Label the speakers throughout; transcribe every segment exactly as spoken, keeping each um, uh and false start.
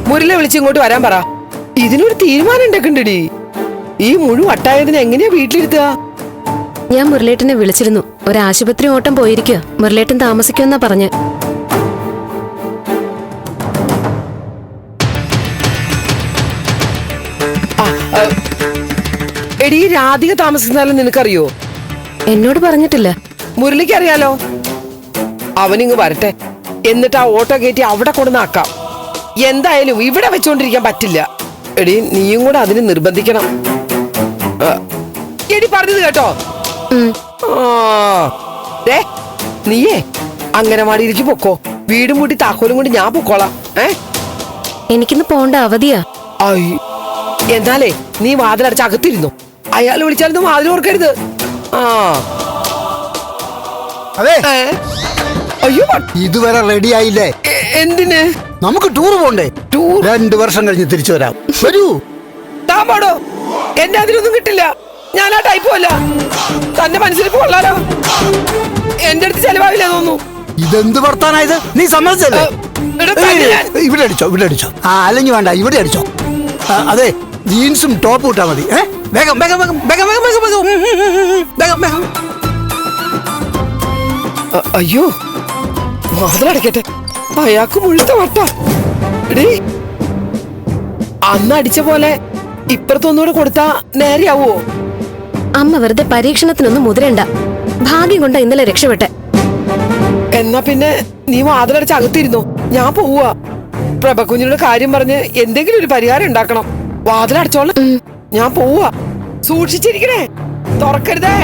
Speaker 1: മുരളെ വിളിച്ചിങ്ങോട്ട് വരാൻ പറ. ഇതിനൊരു തീരുമാനം ഉണ്ടാക്കണ്ടടി. ഈ മുഴുവൻ വട്ടായതിനെ എങ്ങനെയാ വീട്ടിലിരുത്തുക?
Speaker 2: ഞാൻ മുരളേട്ടനെ വിളിച്ചിരുന്നു. ഒരു ആശുപത്രി ഓട്ടം പോയിരിക്കുക. മുരളേട്ടൻ താമസിക്കുമെന്നാ പറഞ്ഞ്.
Speaker 1: എടി, രാധിക താമസിക്കുന്നാലും നിനക്കറിയോ?
Speaker 2: എന്നോട് പറഞ്ഞിട്ടില്ല.
Speaker 1: മുരളിക്ക് അറിയാലോ. അവനിങ്ങ് വരട്ടെ, എന്നിട്ട് ആ ഓട്ടോ കയറ്റി അവിടെ കൊണ്ടുവന്നാക്കാം. എന്തായാലും ഇവിടെ വെച്ചോണ്ടിരിക്കാൻ പറ്റില്ല. എടി, നീയും കൂടെ അതിന് നിർബന്ധിക്കണം. എടി, പറഞ്ഞത് കേട്ടോ? ആ, നീയേ അംഗനവാടിയിലേക്ക് പൊക്കോ. വീടും കൂട്ടി താക്കോലും കൊണ്ട് ഞാൻ പൊക്കോളാം. ഏ
Speaker 2: എനിക്കിന്ന് പോണ്ട അവധിയാ.
Speaker 1: എന്നാലേ നീ വാതിലടച്ച് അകത്തിരുന്നു. അയാൾ വിളിച്ചാലൊന്നും വാതിൽ ഓർക്കരുത്. ആ
Speaker 3: അതെ.
Speaker 1: അയ്യോ,
Speaker 3: ഇതുവരെ റെഡി ആയില്ലേ?
Speaker 1: എന്തിന്?
Speaker 3: നമുക്ക് ടൂർ പോണ്ടേ?
Speaker 1: ടൂർ
Speaker 3: രണ്ടു വർഷം കഴിഞ്ഞ് തിരിച്ചു വരാം. വരൂ.
Speaker 1: താൻ പാടോ? എന്നെ അതിനൊന്നും കിട്ടില്ല. ഞാൻ ആ ടൈപ്പും അല്ല. തന്റെ മനസ്സിൽ കൊള്ളാലോ. എന്റെ അടുത്ത് ചെലവാവില്ല തോന്നുന്നു.
Speaker 3: ഇതെന്ത് വർത്താനായത്? നീ സമ്മതിച്ചല്ലേ? ഇവിടെ അടിച്ചോ, ഇവിടെ അടിച്ചോ. ആ, അല്ലെങ്കിൽ വേണ്ട, ഇവിടെ അടിച്ചോ. അതെ, ജീൻസും ടോപ്പ് ഇട്ടാ മതി. ഏ വേഗം വേഗം വേഗം വേഗം വേഗം വേഗം വേഗം വേഗം.
Speaker 1: അയ്യോ, വാതിലടക്കട്ടെ. അയാൾക്ക് മുഴുത്ത വട്ട. അന്ന് അടിച്ച പോലെ ഇപ്പുറത്തൊന്നുകൂടെ കൊടുത്താ നേരെയാവോ?
Speaker 2: അമ്മ വെറുതെ പരീക്ഷണത്തിനൊന്നും മുതിരണ്ട. ഭാഗ്യം കൊണ്ട് ഇന്നലെ രക്ഷപ്പെട്ടെ.
Speaker 1: എന്നാ പിന്നെ നീ വാതിലടച്ച് അകത്തിരുന്നോ. ഞാൻ പോവാ. പ്രഭകുഞ്ഞിയുടെ കാര്യം പറഞ്ഞ് എന്തെങ്കിലും ഒരു പരിഹാരം ഉണ്ടാക്കണം. വാതിലടച്ചോളാം. ഞാൻ പോവാ. സൂക്ഷിച്ചിരിക്കണേ, തുറക്കരുതേ.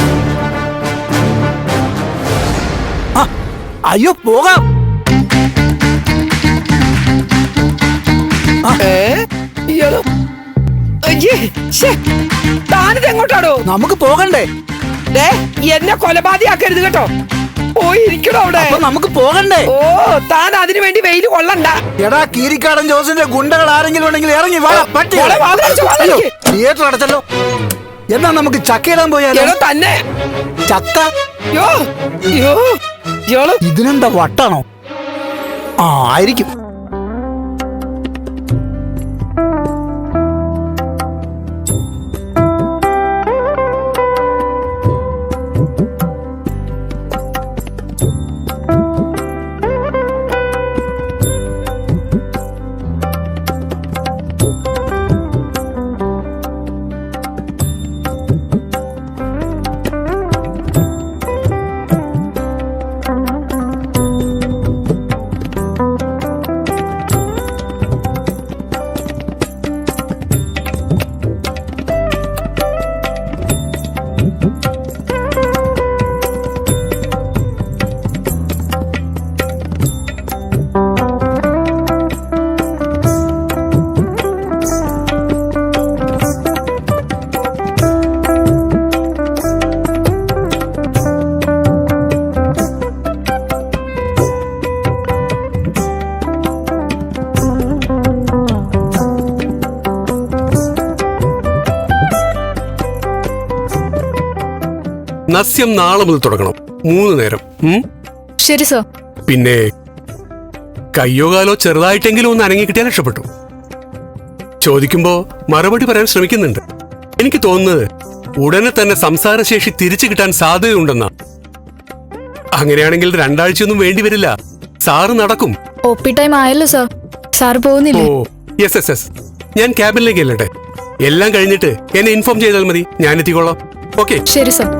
Speaker 3: അയ്യോ, പോകാം.
Speaker 1: താനിത് എങ്ങോട്ടാടോ?
Speaker 3: നമുക്ക് പോകണ്ടേ?
Speaker 1: എന്നെ കൊലപാതകയാക്കരുത് കേട്ടോ. പോയിരിക്കണോ അവിടെ?
Speaker 3: നമുക്ക് പോകണ്ടേ?
Speaker 1: ഓ, താൻ അതിനു വേണ്ടി വെയിൽ കൊള്ളണ്ട.
Speaker 3: എടാ, കീരിക്കാടൻ ജോസിന്റെ ഗുണ്ടകൾ ആരെങ്കിലും ഉണ്ടെങ്കിൽ ഇറങ്ങി വാ. തിയേറ്റർ അടച്ചല്ലോ. എന്നാ നമുക്ക് ചക്കയിടാൻ പോയാലോ?
Speaker 1: തന്നെ
Speaker 3: ചക്ക. ഇതിനെന്താ വട്ടാണോ? ആ, ആയിരിക്കും.
Speaker 4: നസ്യം നാളെ മുതൽ തുടങ്ങണം. മൂന്ന് നേരം.
Speaker 2: ശരി സർ.
Speaker 4: പിന്നെ കയ്യോ കാലോ ചെറുതായിട്ടെങ്കിലും ഒന്ന് അനങ്ങി കിട്ടിയാൽ രക്ഷപ്പെട്ടു. ചോദിക്കുമ്പോ മറുപടി പറയാൻ ശ്രമിക്കുന്നുണ്ട്. എനിക്ക് തോന്നുന്നത് ഉടനെ തന്നെ സംസാരശേഷി തിരിച്ചു കിട്ടാൻ സാധ്യതയുണ്ടെന്നാ. അങ്ങനെയാണെങ്കിൽ രണ്ടാഴ്ചയൊന്നും വേണ്ടി വരില്ല. സാറ് നടക്കും.
Speaker 5: ഒ പി ടൈം ആയല്ലോ സർ. സാറ് പോകുന്നില്ലേ?
Speaker 4: Oh yes yes yes. ഞാൻ ക്യാബിനിലേക്ക് അല്ലട്ടെ. എല്ലാം കഴിഞ്ഞിട്ട് എന്നെ ഇൻഫോം ചെയ്താൽ മതി. ഞാൻ എത്തിക്കോളാം. ഓക്കെ.
Speaker 5: ശരി സർ.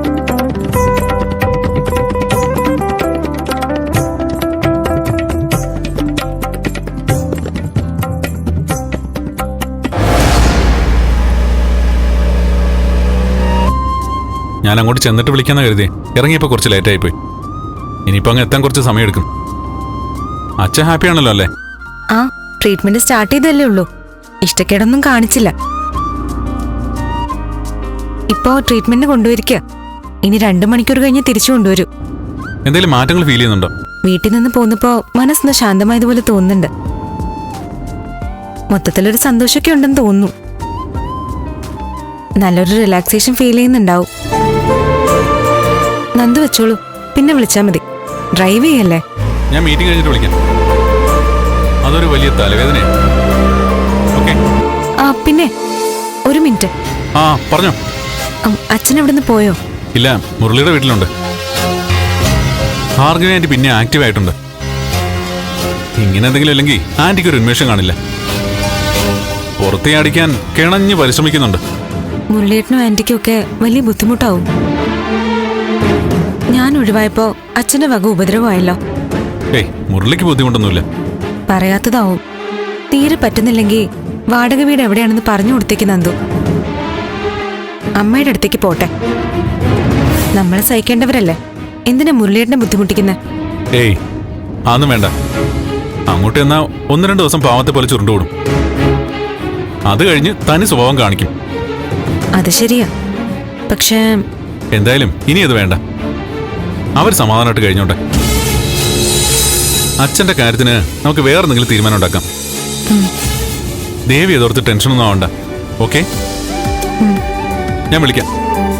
Speaker 6: ഞാൻ അങ്ങോട്ട് ചെന്നിട്ട് വിളിക്കാന്ന് കരുതി. ഇറങ്ങിയപ്പോ കുറച്ച് ലേറ്റ് ആയിപ്പോയി. ഇനിയിപ്പോ അങ്ങ് എത്താൻ കുറച്ച് സമയം എടുക്കും. അച്ഛൻ ഹാപ്പി ആണല്ലോ അല്ലേ?
Speaker 7: ആ, ട്രീറ്റ്മെന്റ് സ്റ്റാർട്ട് ചെയ്തല്ലേ ഉള്ളൂ. ഇഷ്ടക്കേടൊന്നും കാണിച്ചില്ല. ഇപ്പോ ട്രീറ്റ്മെന്റ് കൊണ്ടുവരിക. ഇനി രണ്ടു മണിക്കൂർ കഴിഞ്ഞ് തിരിച്ചു കൊണ്ടുവരൂ.
Speaker 6: എന്തെങ്കിലും മാറ്റങ്ങൾ ഫീൽ ചെയ്യുന്നുണ്ടോ?
Speaker 7: വീട്ടിൽ നിന്ന് പോന്നപ്പോ മനസ്സൊന്ന് ശാന്തമായതുപോലെ തോന്നുന്നുണ്ട്. മൊത്തത്തിലൊരു സന്തോഷമൊക്കെ ഉണ്ടെന്ന് തോന്നുന്നു. നല്ലൊരു റിലാക്സേഷൻ ഫീൽ ചെയ്യുന്നുണ്ടാവും. നന്ദു വെച്ചോളൂ, പിന്നെ വിളിച്ചാ മതി. ഡ്രൈവ് ചെയ്യല്ലേ?
Speaker 6: ഞാൻ മീറ്റിംഗ് കഴിഞ്ഞിട്ട് വിളിക്കാം. അതൊരു വലിയ തലവേദനയാണ്.
Speaker 7: പിന്നെ ഒരു മിനിറ്റ്.
Speaker 6: ആ പറഞ്ഞോ.
Speaker 7: ഉം, അച്ഛൻ എവിടുന്ന് പോയോ?
Speaker 6: ഇല്ല, മുരളിയുടെ വീട്ടിലുണ്ട്. ഭാർഗവി ആന്റി പിന്നെ ആക്റ്റീവ് ആയിട്ടുണ്ട്. ഇങ്ങനെ എന്തെങ്കിലും അല്ലെങ്കിൽ ആന്റിക്ക് ഒരു ഉന്മേഷം കാണില്ല. പുറത്തേ അടിക്കാൻ കിണഞ്ഞ് പരിശ്രമിക്കുന്നുണ്ട്.
Speaker 7: മുരളിയേട്ടനും ആന്റിക്കും ഒക്കെ വലിയ ബുദ്ധിമുട്ടാവും. ഞാൻ ഒഴിവായപ്പോ അച്ഛന്റെ വക ഉപദ്രവമായല്ലോ.
Speaker 6: ഏയ് മുരളിക്ക് ബുദ്ധിമുട്ടൊന്നുമില്ല.
Speaker 7: പറയാത്തതാവും. തീരെ പറ്റുന്നില്ലെങ്കിൽ വാടക വീട് എവിടെയാണെന്ന് പറഞ്ഞു കൊടുത്തേക്ക് നന്ദു. അമ്മയുടെ അടുത്തേക്ക് പോട്ടെ. നമ്മളെ സഹിക്കേണ്ടവരല്ലേ, എന്തിനാ മുരളിയേട്ടനെ ബുദ്ധിമുട്ടിക്കുന്നെ?
Speaker 6: ഏയ് അതൊന്നും വേണ്ട. അങ്ങോട്ട് എന്നാ ഒന്ന് രണ്ട് ദിവസം പാവത്തെ പോലെ ചുരുണ്ടുകൂടും. അത് കഴിഞ്ഞ് തനി സ്വഭാവം കാണിക്കും.
Speaker 7: അത് ശരിയാ. പക്ഷേ
Speaker 6: എന്തായാലും ഇനി അത് വേണ്ട. അവർ സമാധാനമായിട്ട് കഴിഞ്ഞോട്ടെ. അച്ഛന്റെ കാര്യത്തിന് നമുക്ക് വേറെ എന്തെങ്കിലും തീരുമാനം ഉണ്ടാക്കാം. ദേവി എതോർത്ത് ടെൻഷനൊന്നും ആവണ്ട. ഓക്കെ, ഞാൻ വിളിക്കാം.